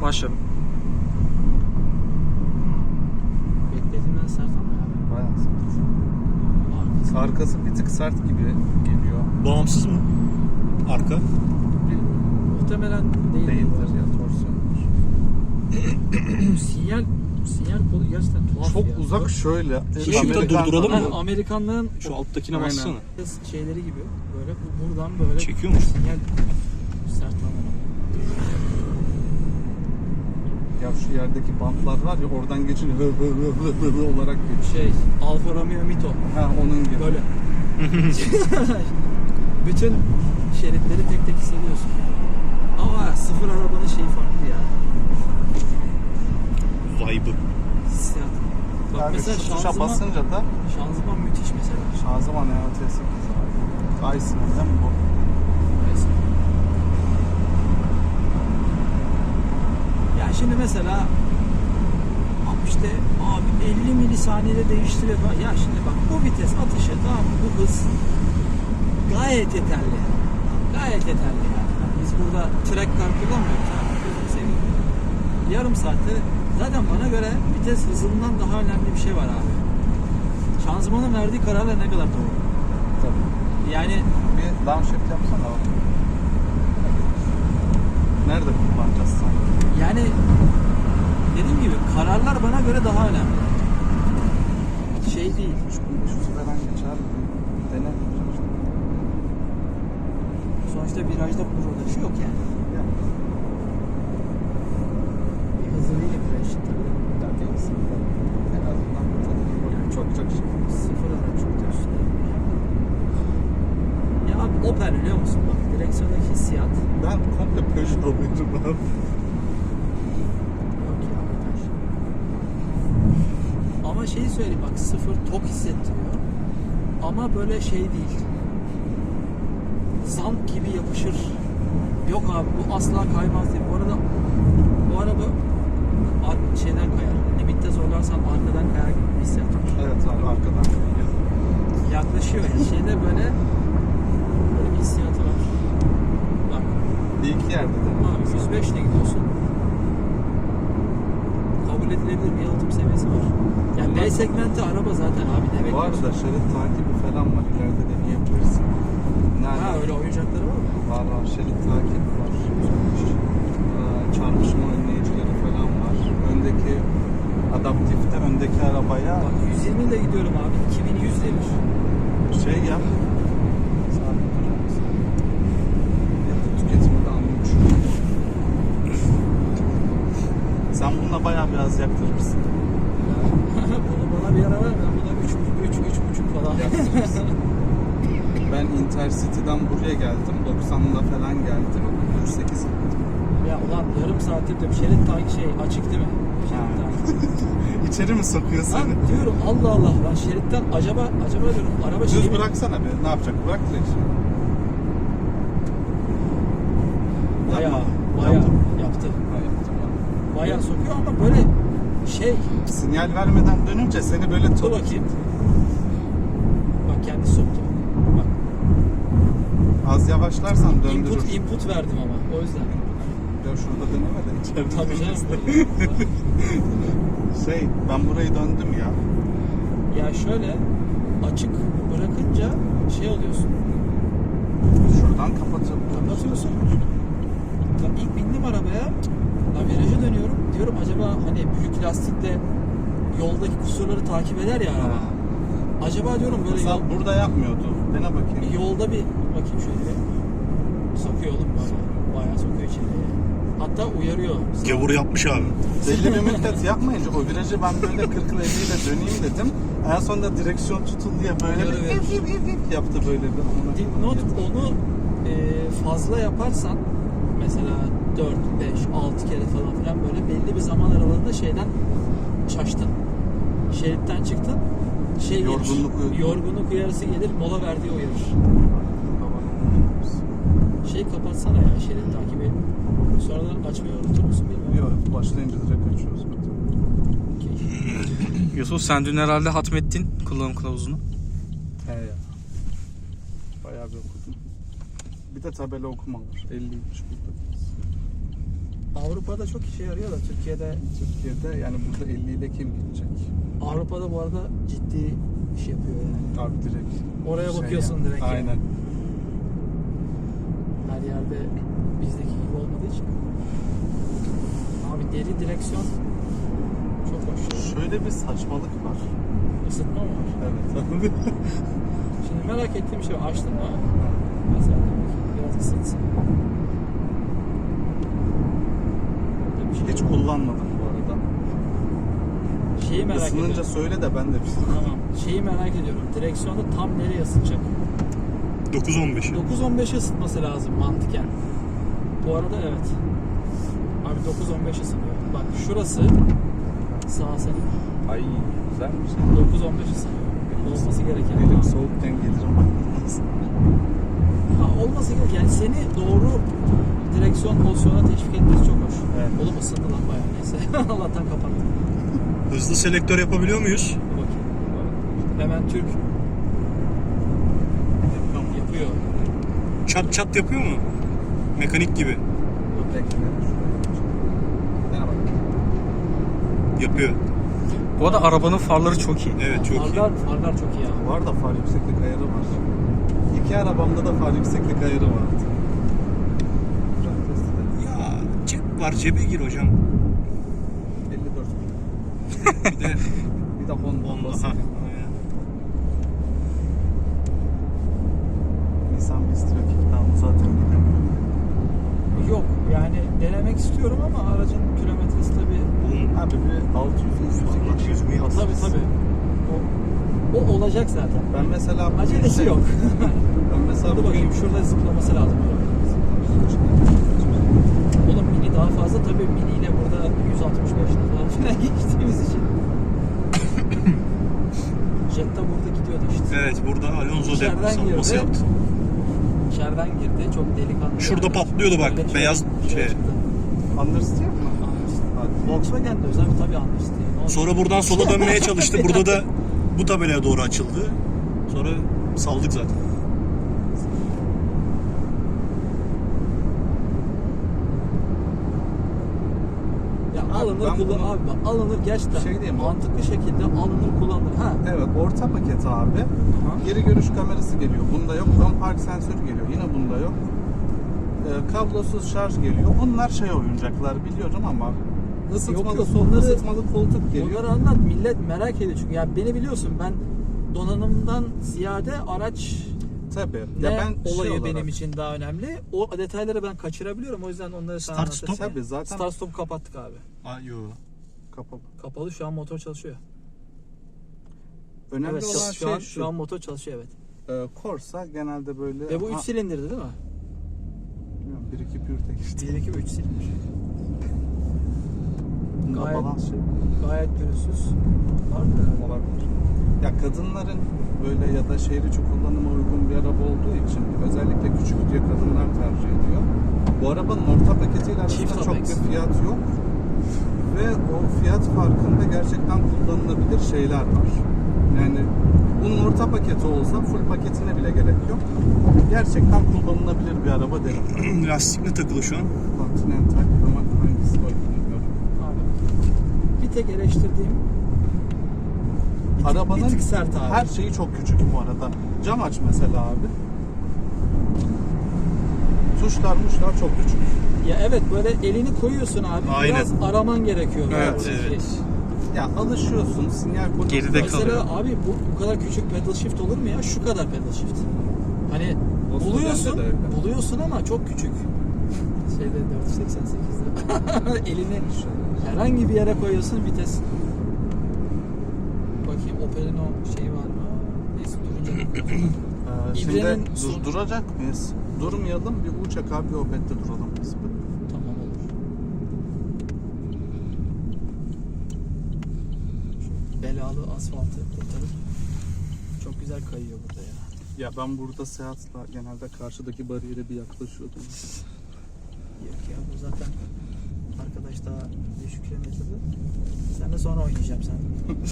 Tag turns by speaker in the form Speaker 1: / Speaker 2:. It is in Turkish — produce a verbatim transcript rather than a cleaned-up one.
Speaker 1: Başladım.
Speaker 2: Beklediğimden sert ama ya.
Speaker 3: Bayağı sert. Arkası bir tık sert gibi geliyor.
Speaker 1: Bağımsız mı? Arka.
Speaker 2: Muhtemelen değil.
Speaker 3: Değildir ya, torsiyondur.
Speaker 2: sinyal sinyal kolu gerçekten tuhaf
Speaker 3: Çok
Speaker 2: ya.
Speaker 3: uzak şöyle.
Speaker 1: Işıkta durduralım mı?
Speaker 2: Ha, Amerikanlığın
Speaker 1: Şu alttakine
Speaker 3: Aynen.
Speaker 1: bassana.
Speaker 2: şeyleri gibi böyle bu- buradan böyle
Speaker 1: Çekiyor mu?
Speaker 2: sinyal sert ama.
Speaker 3: Ya şu yerdeki bantlar var ya, oradan geçince hı hı hı hı hı olarak geçiyor.
Speaker 2: Şey Alfa Romeo Mito
Speaker 3: Ha, onun gibi.
Speaker 2: böyle. Bütün şeritleri tek tek hissediyorsun. Ama sıfır arabanın şeyi farklı ya.
Speaker 1: Vibe'ı.
Speaker 2: Hissiyat. Bak
Speaker 3: Yani
Speaker 2: mesela
Speaker 3: şu tuşa
Speaker 2: şanzıman,
Speaker 3: basınca da
Speaker 2: şanzıman müthiş mesela.
Speaker 3: şanzıman E T sekiz var. Aysin değil mi bu?
Speaker 2: Neyse. Ya şimdi mesela abi işte abi elli milisaniyede değiştiriyor falan. Ya şimdi bak bu vites atışı, tamam mı? Bu hız gayet yeterli. Gayet yeterli yani. Biz burada track car kullanmıyoruz ha. Gözünü seveyim. Yarım saatte zaten bana göre vites hızından daha önemli bir şey var abi. Şanzımanın verdiği kararlar ne kadar doğru.
Speaker 3: Tabii.
Speaker 2: Yani
Speaker 3: Bir downshift yapsana bak. Nerede kullanacağız sen?
Speaker 2: yani dediğim gibi kararlar bana göre daha önemli. Şey değil.
Speaker 3: Şu şu sıradan geçer. Dene.
Speaker 2: Sonuçta virajda bunun uğraşı yok yani.
Speaker 3: Ya.
Speaker 2: Bir hızlı değil viraj için tabii.
Speaker 3: Tabii aslında. En azından yani çok çok şey.
Speaker 2: Sıfır araç çok da üstüne. Ya abi Opel biliyor musun bak direksiyondaki hissiyat.
Speaker 3: Ben komple Peugeot alıyorum abi.
Speaker 2: Yok ya Opel. Ama şeyi söyleyeyim bak sıfır tok hissettiriyor. Ama böyle şey değil. Zamp gibi yapışır. Yok abi bu asla kaymaz diye. Bu arada bu araba ar- şeyden kayar. Limitte zorlarsan arkadan kayar gibi bir hissiyat var.
Speaker 3: Evet abi, arkadan geliyor.
Speaker 2: Yaklaşıyor yani şeyde böyle böyle bir hissiyatı var. Bak
Speaker 3: Bir iki yerde de.
Speaker 2: abi yüz beş ile gidiyorsun. Kabul edilebilir bir yalıtım seviyesi var. Yani B segmenti araba zaten abi ne
Speaker 3: Bu
Speaker 2: bekliyorsun?
Speaker 3: arada şerit takibi falan var. İleride deneyebilirsin. Nerede?
Speaker 2: Ha öyle oyuncakları var mı?
Speaker 3: Var var. Şerit takibi var. Ee, Çarpışma önleyicileri falan var. Öndeki adaptifte öndeki arabaya
Speaker 2: Bak yüz yirmi ile gidiyorum abi. iki bin yüz demiş.
Speaker 3: şey yap. Sabit durur musun? Yakıt tüketimi de anlamış. Sen bununla bayağı biraz yaktırırsın.
Speaker 2: Bunu bana bir ara ver. Ben buna üç üç buçuk falan.
Speaker 3: Yaktırırsın. Ben Intercity'den buraya geldim. doksanla falan geldim. kırk sekiz gittim.
Speaker 2: Ya ulan yarım saattir diyorum. Şerit takip şey açık değil mi? Şerit takip.
Speaker 3: İçeri mi sokuyor
Speaker 2: Lan
Speaker 3: seni?
Speaker 2: diyorum Allah Allah lan şeritten acaba acaba diyorum araba şey
Speaker 3: Düz
Speaker 2: mi?
Speaker 3: bıraksana bir. Ne yapacak? Bırak direksiyonu.
Speaker 2: Bayağı
Speaker 3: Yapma.
Speaker 2: bayağı
Speaker 3: Yaptım.
Speaker 2: yaptı.
Speaker 3: Ha, yaptım ben.
Speaker 2: Bayağı sokuyor ama böyle şey
Speaker 3: Sinyal vermeden dönünce seni böyle
Speaker 2: dur
Speaker 3: tut.
Speaker 2: bakayım. Bak kendi soktu. Bak
Speaker 3: Az yavaşlarsan döndürür.
Speaker 2: input input verdim ama o yüzden.
Speaker 3: Ya şurada deneme de içeride
Speaker 2: Tabii
Speaker 3: dönmez.
Speaker 2: canım.
Speaker 3: Şey, ben burayı döndüm ya.
Speaker 2: Ya şöyle açık bırakınca şey oluyorsun.
Speaker 3: Şuradan kapatıp
Speaker 2: Kapatıyorsun. Lan ilk bindim arabaya. Lan viraja dönüyorum. Diyorum acaba hani büyük lastikle yoldaki kusurları takip eder ya araba. Acaba diyorum böyle
Speaker 3: Mesela
Speaker 2: yol,
Speaker 3: burada yapmıyordu. Dene bakayım.
Speaker 2: yolda bir bakayım şöyle bir. Sokuyor oğlum bayağı. Bayağı sokuyor içeriye. Hatta uyarıyor.
Speaker 1: Gavur yapmış abi.
Speaker 3: Belli bir müddet yapmayınca o virajı ben böyle kırk ile elli ile döneyim dedim. En sonunda direksiyon tutun diye böyle
Speaker 2: Uyarı
Speaker 3: bir
Speaker 2: verir.
Speaker 3: ip ip ip ip yaptı böyle bir.
Speaker 2: Dipnot onu e, fazla yaparsan mesela dört, beş, altı kere falan filan böyle belli bir zaman aralığında şeyden şaştın. Şeritten çıktın. Şey
Speaker 3: Yorgunluk
Speaker 2: gelir,
Speaker 3: uyarı.
Speaker 2: yorgunluk uyarısı gelir, mola verdiği uyarır. Şey kapatsana ya şerit takibi. Sonradan açmayı unutur musun bilmiyorum.
Speaker 3: Yok, başlayınca direkt açıyoruz.
Speaker 2: Okay.
Speaker 1: Yusuf sen dün herhalde hatmettin kullanım kılavuzunu.
Speaker 3: He ya. Bayağı bir okudum. Bir de tabela okuma var. elliymiş burada.
Speaker 2: Avrupa'da çok işe yarıyor da Türkiye'de
Speaker 3: Türkiye'de yani burada elli ile kim gidecek?
Speaker 2: Avrupa'da bu arada ciddi iş yapıyor yani.
Speaker 3: Abi direkt.
Speaker 2: Oraya
Speaker 3: şey
Speaker 2: bakıyorsun
Speaker 3: ya.
Speaker 2: direkt yani.
Speaker 3: Aynen.
Speaker 2: Her yerde bizdeki gibi olmadığı için. Abi deri direksiyon çok hoş.
Speaker 3: Şöyle bir saçmalık var.
Speaker 2: Isıtma mı var?
Speaker 3: Evet abi.
Speaker 2: Şimdi merak ettiğim şey var. Açtın mı? Mesela biraz ısıtsın. Burada bir şey
Speaker 3: Hiç
Speaker 2: yok.
Speaker 3: kullanmadım bu arada.
Speaker 2: Şeyi merak
Speaker 3: Isınınca
Speaker 2: ediyorum.
Speaker 3: söyle de ben de bir
Speaker 2: Tamam. Şeyi merak ediyorum. Direksiyonu tam nereye ısıtacak?
Speaker 1: dokuz on beş.
Speaker 2: dokuz on beşe ısıtması lazım mantıken. Bu arada evet. Abi dokuz on beş ısınıyor. Bak şurası sağ senin.
Speaker 3: Ay güzelmiş.
Speaker 2: dokuz on beş ısınıyor. Olması gereken.
Speaker 3: Elim soğukken gelirim.
Speaker 2: Ha, olması gereken. Yani seni doğru direksiyon pozisyonuna teşvik etmesi çok hoş.
Speaker 3: Evet.
Speaker 2: Oğlum ısındı lan bayağı neyse. Allah'tan kapattım.
Speaker 1: Hızlı selektör yapabiliyor muyuz?
Speaker 2: Dur bakayım. Hemen Türk yapıyor.
Speaker 1: Çat çat yapıyor mu? Mekanik gibi.
Speaker 3: Bekle. Merhaba.
Speaker 1: Yapıyor.
Speaker 4: Bu arada arabanın farları çok iyi.
Speaker 1: Evet çok iyi.
Speaker 2: Farlar, farlar çok iyi ya.
Speaker 3: Var da far yükseklik ayarı var. İki arabamda da far yükseklik ayarı vardı.
Speaker 1: Ya cep var, cebe gir hocam.
Speaker 3: elli dört bin.
Speaker 1: Bir de
Speaker 3: Bir de Honda
Speaker 1: Honda.
Speaker 3: basit.
Speaker 1: Ha, aynen.
Speaker 3: Nissan Mistral kickdown'u zaten gidemiyor.
Speaker 2: Yok yani denemek istiyorum ama aracın kilometresi tabii.
Speaker 1: Oğlum
Speaker 3: Abi bir altı yüz
Speaker 1: altı yüz mü yaptı?
Speaker 2: Tabii tabii. O, o olacak zaten.
Speaker 3: Ben mesela bugün
Speaker 2: Acelesi
Speaker 3: şey-
Speaker 2: yok.
Speaker 3: Ben mesela
Speaker 2: Dur
Speaker 3: bugün
Speaker 2: bakayım şurada zıplaması lazım. Oğlum mini daha fazla tabii mini ile burada yüz altmış beşle falan filan geçtiğimiz için. Jetta burada gidiyordu işte.
Speaker 1: Evet burada Alonso
Speaker 2: İçeriden
Speaker 1: de savunması
Speaker 2: girdi.
Speaker 1: yaptı.
Speaker 2: İçeriden girdi çok delikanlı.
Speaker 1: Şurada patlıyordu bak,
Speaker 2: Böyle
Speaker 1: beyaz şey.
Speaker 2: çıktı.
Speaker 3: Understeer mi?
Speaker 2: Understeer. Volkswagen'de özel tabii Understeer. Ne olacak?
Speaker 1: Sonra buradan sola dönmeye çalıştı. Burada da bu tabelaya doğru açıldı. Sonra saldık zaten.
Speaker 2: Ya
Speaker 3: Abi
Speaker 2: alınır
Speaker 3: ben
Speaker 2: kullan
Speaker 3: bunu-
Speaker 2: abi bak alınır gerçekten
Speaker 3: Şey diyeyim mi?
Speaker 2: mantıklı şekilde alınır kullanılır. Ha.
Speaker 3: Evet, orta paket abi. Geri görüş kamerası geliyor. Bunda yok. Ön park sensörü geliyor. Yine bunda yok. Ee, kablosuz şarj geliyor. Bunlar şey oyuncaklar biliyorum ama ısıtmalı,
Speaker 2: yok,
Speaker 3: sol
Speaker 2: bunları-
Speaker 3: ısıtmalı koltuk geliyor.
Speaker 2: Bunları anlat millet merak ediyor çünkü ya beni biliyorsun ben donanımdan ziyade araç
Speaker 3: Tabii.
Speaker 2: ne
Speaker 3: Ya ben
Speaker 2: olayı
Speaker 3: şey olarak-
Speaker 2: benim için daha önemli. O detayları ben kaçırabiliyorum o yüzden onları sana
Speaker 1: Start
Speaker 2: anlatacağım.
Speaker 1: stop?
Speaker 3: Tabii zaten
Speaker 2: Start stop kapattık abi.
Speaker 1: Aa, yo.
Speaker 3: kapalı.
Speaker 2: Kapalı şu an motor çalışıyor.
Speaker 3: Önemli
Speaker 2: Evet
Speaker 3: olan
Speaker 2: şu
Speaker 3: şey
Speaker 2: an
Speaker 3: şu.
Speaker 2: şu an motor çalışıyor evet.
Speaker 3: e, Corsa genelde böyle
Speaker 2: Ve bu üç
Speaker 3: Ha,
Speaker 2: silindirdi değil mi?
Speaker 3: bilmiyorum, bir iki pürte geçti.
Speaker 2: bir iki üç silindir.
Speaker 3: Bunda
Speaker 2: Gayet-
Speaker 3: balans şey
Speaker 2: Gayet pürüzsüz. Var mı?
Speaker 3: olabilir. Ya kadınların böyle ya da şehir içi kullanıma uygun bir araba olduğu için özellikle küçük diye kadınlar tercih ediyor. Bu arabanın orta paketiyle
Speaker 2: Çift
Speaker 3: arasında çok
Speaker 2: Apex.
Speaker 3: bir fiyat yok. Ve o fiyat farkında gerçekten kullanılabilir şeyler var. Yani bunun orta paketi olsa full paketine bile gerek yok. Gerçekten kullanılabilir bir araba derim.
Speaker 1: Lastik ne takılı şu an?
Speaker 3: Continental ama hangisi var bilmiyorum.
Speaker 2: Abi. Bir tek eleştirdiğim bir tık,
Speaker 3: Arabanın
Speaker 2: bir tık sert abi.
Speaker 3: her şeyi çok küçük bu arada. Cam aç mesela abi. Tuşlar muşlar çok küçük.
Speaker 2: Ya evet böyle elini koyuyorsun abi.
Speaker 1: Aynen.
Speaker 2: Biraz araman gerekiyor.
Speaker 1: Evet,
Speaker 2: böyle.
Speaker 1: evet.
Speaker 3: Ya alışıyorsun, sinyal kodu.
Speaker 4: Geride
Speaker 2: Mesela
Speaker 4: kalıyor.
Speaker 2: abi bu, bu kadar küçük pedal shift olur mu ya? Şu kadar pedal shift. Hani
Speaker 3: Volkswagen'de
Speaker 2: buluyorsun,
Speaker 3: de öyle.
Speaker 2: buluyorsun ama çok küçük. Şeyde dört yüz seksen sekizde elini herhangi bir yere koyuyorsun vites. Bakayım Opel'in o şeyi var mı? Neyse durunca.
Speaker 3: Ee, şimdi
Speaker 2: İbrenin
Speaker 3: dur-
Speaker 2: son-
Speaker 3: duracak mıyız? Durmayalım, bir uçak abi Opet'te duralım biz.
Speaker 2: Tamam olur. Şu belalı asfaltı kurtarıp çok güzel kayıyor burada ya.
Speaker 3: Ya ben burada seyahatle genelde karşıdaki bariyere bir yaklaşıyordum.
Speaker 2: Yok ya bu zaten arkadaş daha düşük kilometrede. Sen de sonra oynayacağım sen.